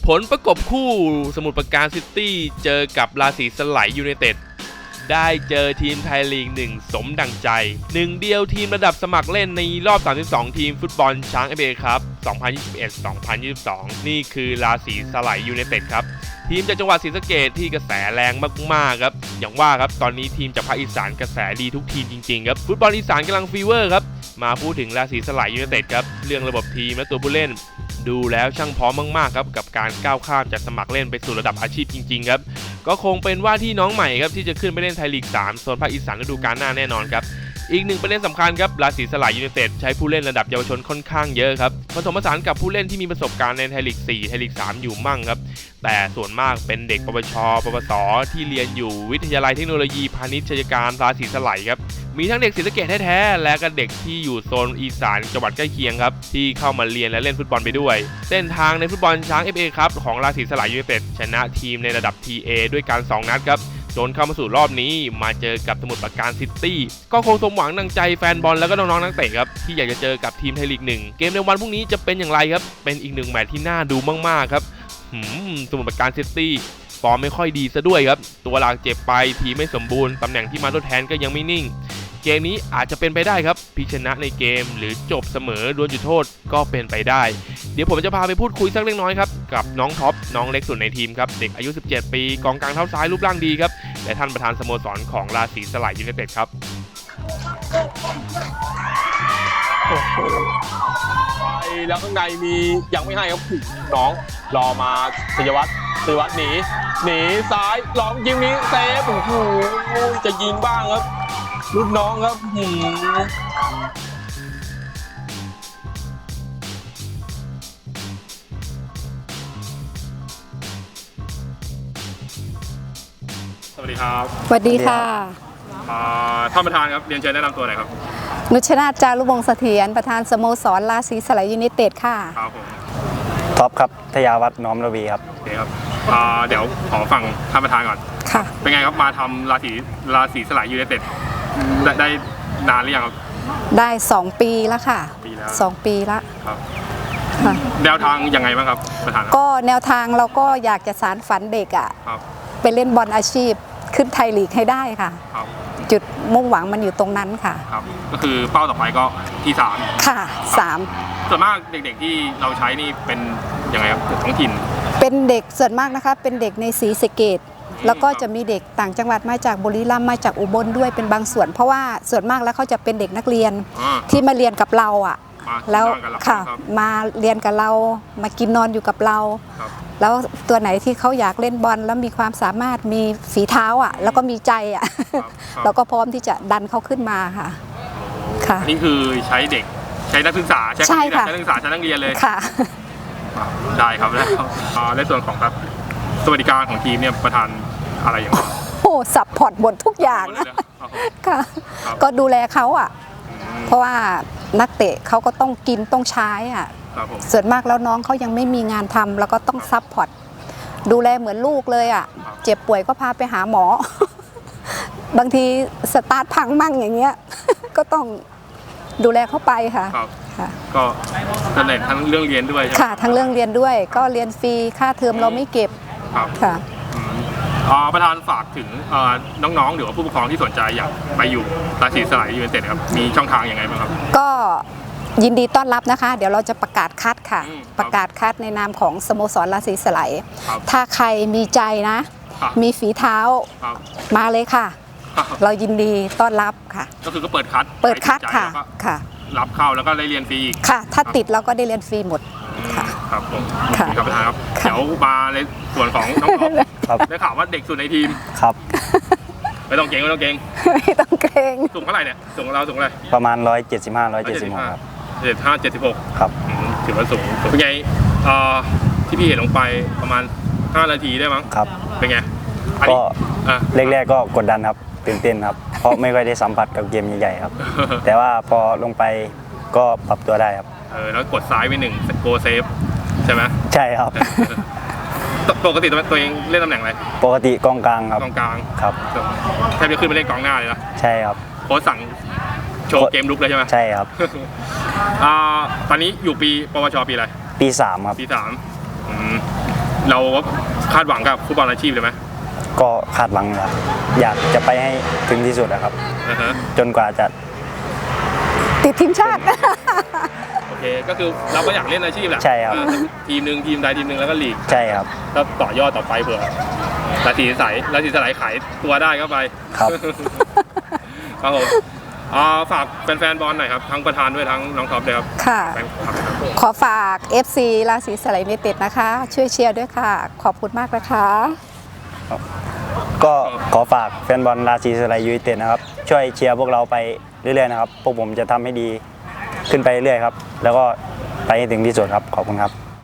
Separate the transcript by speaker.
Speaker 1: ผลประกบคู่สมุทรปราการซิตี้เจอกับราศีสไลยูไนเต็ดได้เจอทีมไทยลีก1สมดังใจหนึ่งเดียวทีมระดับสมัครเล่นในรอบ32ทีมฟุตบอลช้าง FA ครับ2021-2022 นี่คือราศีสไลยูไนเต็ดครับทีมจากจังหวัดศรีสะเกษที่กระแสแรงมากๆครับอย่างว่าครับตอนนี้ทีมจากภาคอีสานกระแสดีทุกทีมจริงๆครับฟุตบอลอีสานกำลังฟีเวอร์ครับมาพูดถึงราศีสไลยูไนเต็ดครับเรื่องระบบทีมและตัวผู้เล่นดูแล้วช่างพร้อมมากๆครับกับการก้าวข้ามจากสมัครเล่นไปสู่ระดับอาชีพจริงๆครับก็คงเป็นว่าที่น้องใหม่ครับที่จะขึ้นไปเล่นไทยลีก3โซนภาคอีสานฤดูกาลหน้าแน่นอนครับอีกหนึ่งประเด็นสำคัญครับราศีสไลยูไนเต็ดใช้ผู้เล่นระดับเยาวชนค่อนข้างเยอะครับผสมผสานกับผู้เล่นที่มีประสบการณ์ในไทยลีก4ไทยลีก3อยู่มั่งครับแต่ส่วนมากเป็นเด็กปวชปวสที่เรียนอยู่วิทยาลัยเทคโนโลยีพาณิชยการราศีสไลครับมีทั้งเด็กศรีสะเกษแท้ๆและก็เด็กที่อยู่โซนอีสานจังหวัดใกล้เคียงครับที่เข้ามาเรียนและเล่นฟุตบอลไปด้วยเส้นทางในฟุตบอลช้าง FA ครับของราศีสไลยูไนเต็ดชนะทีมในระดับ TA ด้วยการ2นัดครับจนเข้ามาสู่รอบนี้มาเจอกับสมุทรปราการซิตี้ก็คงสมหวังดังใจแฟนบอลแล้วก็น้องๆนักเตะครับที่อยากจะเจอกับทีมไทยลีก1เกมในวันพรุ่งนี้จะเป็นอย่างไรครับเป็นอีกหนึ่งแมตช์ที่น่าดูมากๆครับสมุทรปราการซิตี้ฟอร์มไม่ค่อยดีซะด้วยครับตัวหลักเจ็บไปทีมไม่สมบูรณ์ตำแหน่งที่มาทดแทนก็ยังไม่นิ่งเกมนี้อาจจะเป็นไปได้ครับพลิกชนะในเกมหรือจบเสมอดวลจุดโทษก็เป็นไปได้เดี๋ยวผมจะพาไปพูดคุยสักเล็กน้อยครับกับน้องท็อปน้องเล็กสุดในทีมครับเด็กอายุ17ปีกองกลางเท้าซ้ายรูปร่างดีครับและท่านประธานสโมสรของราศีสไลยูไนเต็ดครับ
Speaker 2: แล้วข้างในมียังไม่ให้ครับน้องรอมาศิริวัตรหนีซ้ายลองยิงนี้เซฟโอ้โหจะยิงบ้างครับรุ่นน้องครับ
Speaker 1: สวัสดีครับ
Speaker 3: สวัสดีค่ะ
Speaker 1: ท่านประธานครับเรียนเชิญแนะนำตัวหน่อยครับ
Speaker 3: นุชนาถ จารุวงศ์เสถียรประธานสโมสรราศีสไลยูไนเต็ดค่ะ
Speaker 1: ครับผม
Speaker 4: ท็อปครับทยาวัฒน์น้อมระวีครับ
Speaker 1: โอเคครับเดี๋ยวขอฟังท่านประธานก่อน
Speaker 3: ค่ะ
Speaker 1: เป็นไงครับมาทำราศีสไลยูไนเต็ดได้นานหรือยังครับ
Speaker 3: ได้2 ปีแล้วค่ะ2 ปีแล้ว
Speaker 1: ครับ
Speaker 3: ค่ะ
Speaker 1: แนวทางยังไงบ้างครับประธาน
Speaker 3: ก็แนวทางเราก็อยากจะสานฝันเด็กอ่ะไปเล่นบอลอาชีพขึ้นไทยลีกให้ได้ค่ะจุดมุ่งหวังมันอยู่ตรงนั้นค่ะ
Speaker 1: ครับก็คือเป้าต่อไปก็ที่3
Speaker 3: ค่ะ3
Speaker 1: ส่วนมากเด็กๆที่เราใช้นี่เป็นยังไงครับท้องถิ่น
Speaker 3: เป็นเด็กส่วนมากนะคะเป็นเด็กในศรีสะเกษแล้วก็จะมีเด็กต่างจังหวัดมาจากบุรีรัมย์มาจากอุบลด้วยเป็นบางส่วนเพราะว่าส่วนมากแล้วเขาจะเป็นเด็กนักเรียนที่มาเรียนกับเราอ่ะแล้วค่ะมาเรียนกับเรามากินนอนอยู่กับเราแล้วตัวไหนที่เขาอยากเล่นบอลแล้วมีความสามารถมีฝีเท้าอ่ะแล้วก็มีใจอ่ะเราก็พร้อมที่จะดันเขาขึ้นมาค่ะค่ะ
Speaker 1: นี่คือใช้เด็กใช้นักศึกษา
Speaker 3: ใช่ค่ะ
Speaker 1: ใช้นักศึกษาใช้นักเรียนเลย
Speaker 3: ค่ะ
Speaker 1: ได้ครับแล้วในส่วนของครับสวัสดิการของทีมเนี่ยประธานอะไรอย่างไร
Speaker 3: โอ้ซัพพอร์ตหมดทุกอย่างค่ะก็ดูแลเขาอ่ะเพราะว่านักเตะเขาก็ต้องกินต้องใช้อ่ะส่วนมากแล้วน้องเขายังไม่มีงานทำแล้วก็ต้องซัพพอร์ตดูแลเหมือนลูกเลยอ่ะเจ็บป่วยก็พาไปหาหมอบางทีสตาร์ทพังมั่งอย่างเงี้ยก็ต้องดูแลเข้าไปค่ะ
Speaker 1: ก็ทั้งเรื่องเรียนด้วย
Speaker 3: ค่ะทั้งเรื่องเรียนด้วยก็เรียนฟรีค่าเทอมเราไม่เก็บค่ะ
Speaker 1: ประธานฝากถึงน้องๆหรือว่าผู้ปกครองที่สนใจอยากไปอยู่ราศีสไลยูไนเต็ดครับมีช่องทางยังไงบ้างครับ
Speaker 3: ก็ยินดีต้อนรับนะคะเดี๋ยวเราจะประกาศคัดค่ะประกาศคัดในนามของสโมสรราศีสไลถ้าใครมีใจนะมีฝีเท้ามาเลยค่ะเรายินดีต้อนรับค่ะ
Speaker 1: ก็คือก็เปิดคัด
Speaker 3: ค่ะ
Speaker 1: รับเข้าแล้วก็ได้เรียนฟรีอีก
Speaker 3: ค่ะถ้าติดเราก็ได้เรียนฟรีหมดค่ะ
Speaker 1: ครับผมครับประธานครับเดี๋ยวมาในส่วนของน้องๆได้ข่าวว่าเด็กสุดในทีม
Speaker 4: ครับ
Speaker 1: ไม่ต้องเก่ง
Speaker 3: ไม่ต้องเกรง
Speaker 1: สูงเท่าไหร่เนี่ยสูงเราสูงอะไร
Speaker 4: ประมาณ175-176ครับ
Speaker 1: 75-76
Speaker 4: ครับ
Speaker 1: ถือว่าสูงเป็นไงที่พี่เห็นลงไปประมาณ5 นาทีได้มั้ง
Speaker 4: ครับ
Speaker 1: เป็นไง
Speaker 4: ก็แรกๆก็กดดันครับตื่นเต้นครับเพราะไม่ค่อยได้สัมผัสกับเกมใหญ่ๆครับแต่ว่าพอลงไปก็ปรับตัวได้ครับ
Speaker 1: แล้วกดซ้ายไป1โกเซฟใช่ไหม
Speaker 4: ใช่ครับ
Speaker 1: ปกติตัวเองเล่นตำแหน่งอะไร
Speaker 4: ปกติกองกลางครับ
Speaker 1: กองกลาง
Speaker 4: ครับ
Speaker 1: แทบจะขึ้นไปเล่นกองหน้าเลยนะ
Speaker 4: ใช่ครับ
Speaker 1: โค้ชสั่งโชว์เกมลุกเลยใช่ไหม
Speaker 4: ใช่ครับ
Speaker 1: ตอนนี้อยู่ปีปวชปีอะไร
Speaker 4: ปี3ครับ
Speaker 1: ปี3 เราคาดหวังกับฟุตบอลอาชีพเลยไหม
Speaker 4: ก็คาดหวังครับอยากจะไปให้ถึงที่สุดนะครับ
Speaker 1: อ่าฮะ
Speaker 4: จนกว่าจะ
Speaker 3: ติดทีมชาติ
Speaker 1: โอเคก็คือเราก็อยากเล่นอาชีพแหละ
Speaker 4: ใช่ครับ
Speaker 1: ทีมหนึ่งทีมใดทีมหนึ่งแล้วก็ลีก
Speaker 4: ใช่ครับ
Speaker 1: แล้วต่อยอดต่อไปเผื่อราศีใสขายตัวได้ก็ไป
Speaker 4: ครับ
Speaker 1: ครับผมฝากแฟนๆบอลหน่อยครับทั้งประธานด้วยทั้งน้องท็อปเลยครับ
Speaker 3: ค่ะ
Speaker 1: แฟนคลับครับ
Speaker 3: ขอฝาก FC ราศีสไลยูไนเต็ดนะคะ ช่วยเชียร์ด้วยค่ะ ขอบคุณมากนะคะ
Speaker 4: ก็ขอฝากแฟนบอลราศีสไลยูไนเต็ดนะครับช่วยเชียร์พวกเราไปเรื่อยๆนะครับพวกผมจะทำให้ดีขึ้นไปเรื่อยๆครับแล้วก็ไปให้ถึงที่สุดครับขอบคุณครับ